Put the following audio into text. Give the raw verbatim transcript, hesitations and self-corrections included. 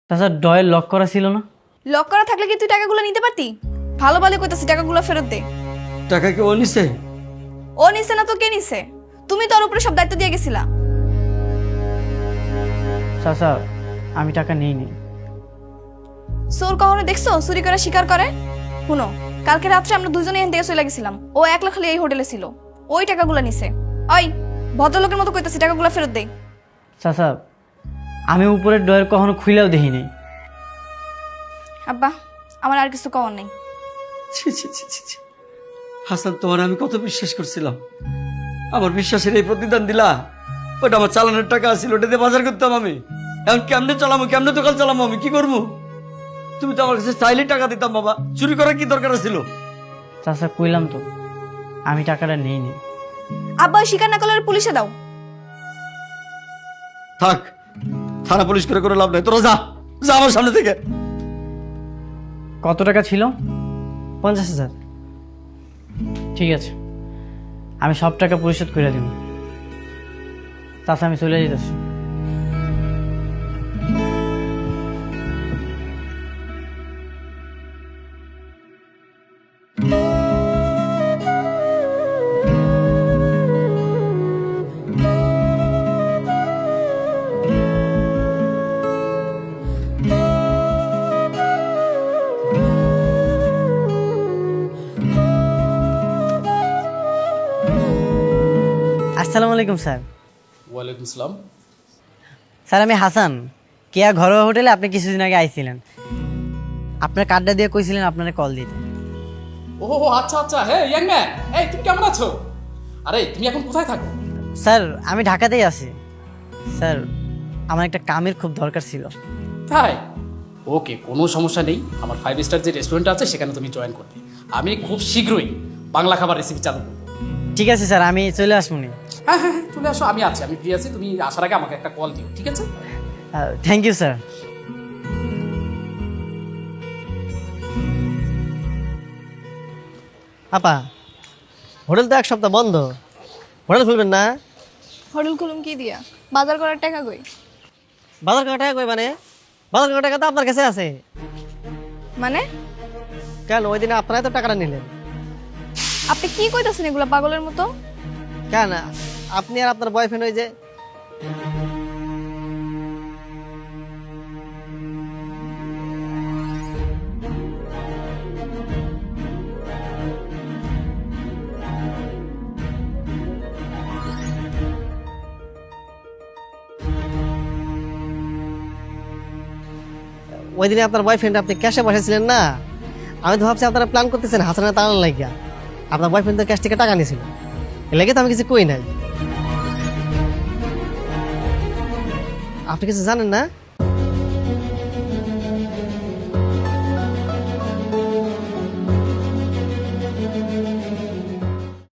তাছাড়া ডয়ের লক করা ছিল না। লক করা থাকলে কি তুই টাকাগুলো নিতে পারতি? ভালো ভালো কইতাছি, টাকাগুলো ফেরত দে। টাকা কি ও নিছে? ও নিছে না তো কে নিছে? তুমি তোর উপরে সব দায়িত্ব দিয়ে গেছিলা। চাচা আমি টাকা নিইনি। চোর কখনো দেখছো চুরি করে শিকার করে? শুনো, কালকে রাত্রে আমরা দুজনে এখান থেকে চলে গেছিলাম, ও একলা খালি এই হোটেলে ছিল, ওই টাকাগুলো নিছে। ওই ভদ্রলোকের মতো কইতাছি, টাকাগুলো ফেরত দে। চাচা আমি উপরের ডয়ের কখনো খুইলেও দেখিনি। আব্বা আমার আর কিছু কওয়ার নেই। ছি ছি ছি ছি ছি। হাসান, তোমার আমি কত বিশ্বাস করছিলাম, আমার বিশ্বাসের এই প্রতিদান দিলা। ওটা আমার চালানোর টাকা আছিল, ওটা দিয়ে বাজার করতাম আমি। এখন কেমনে চালামো, কেমনে দোকান চালামো, আমি কি করবো? তুমি তো আমার কাছে চাইলে টাকা দিতাম বাবা, চুরি করার কি দরকার ছিল? চাচা কইলাম তো আমি টাকাটা নিইনি। আব্বা ওই স্বীকার না করলে পুলিশে দাও। থাক, থানা পুলিশ করে করে লাভ নাই, তোরা যা যা আমার সামনে থেকে। কত টাকা ছিল? পঞ্চাশ হাজার। ঠিক আছে, আমি সব টাকা পরিশোধ করে দিব। চাচা আমি চলে যেতেছি। আসসালামু আলাইকুম স্যার। ওয়ালাইকুম আসসালাম। স্যার আমি হাসান, কেয়া ঘরোয়া হোটেলে আপনি কিছুদিন আগে আইছিলেন। আপনার কার্ডটা দিয়ে কইছিলেন আপনারা কল দিতে। ও আচ্ছা আচ্ছা, হ্যাঁ ইয়াং ম্যান, এই তুমি কেমন আছো? আরে তুমি এখন কোথায় থাকো? স্যার আমি ঢাকাতেই আছি। স্যার আমার একটা কামের খুব দরকার ছিল। তাই? ওকে, কোনো সমস্যা নেই। আমার ফাইভ স্টার যে রেস্টুরেন্ট আছে সেখানে তুমি জয়েন করবে। আমি খুব শীঘ্রই বাংলা খাবার রেসিপি চালু করবো। ঠিক আছে স্যার, আমি চলে আসবনি। হ্যাঁ হ্যাঁ হ্যাঁ, চলে আসো, আমি আছি, আমি ফ্রি আছি। তুমি আসার আগে আমাকে একটা কল দিও, ঠিক আছে? Thank you sir. আপা, হোটেল তো এক সপ্তাহ বন্ধ, হোটেল খুলবেন না? হোটেল খুলুম কি দিয়া? বাজার করার টাকা কই? বাজার করার টাকা কই মানে? বাজার করার টাকা তো আপনার কাছে আছে। মানে কেন ওই দিনে আপনারাই তো টাকাটা নিলেন। আপনি কি কইতাছেন এগুলা পাগলের মতো? কেন আপনি আর আপনার বয়ফ্রেন্ড ওই যে ওই দিনে আপনার বয়ফ্রেন্ড আপনি ক্যাশে বসেছিলেন না? আমি তো ভাবছি আপনারা প্ল্যান করতেছেন হাসানের তাড়ানোর লাগিয়া। আপনার বয়ফ্রেন্ড তো ক্যাশ থেকে টাকা নিয়েছিল, এ লেগে তো আমি কিছু কই নাই। আপনি কিছু জানেন না?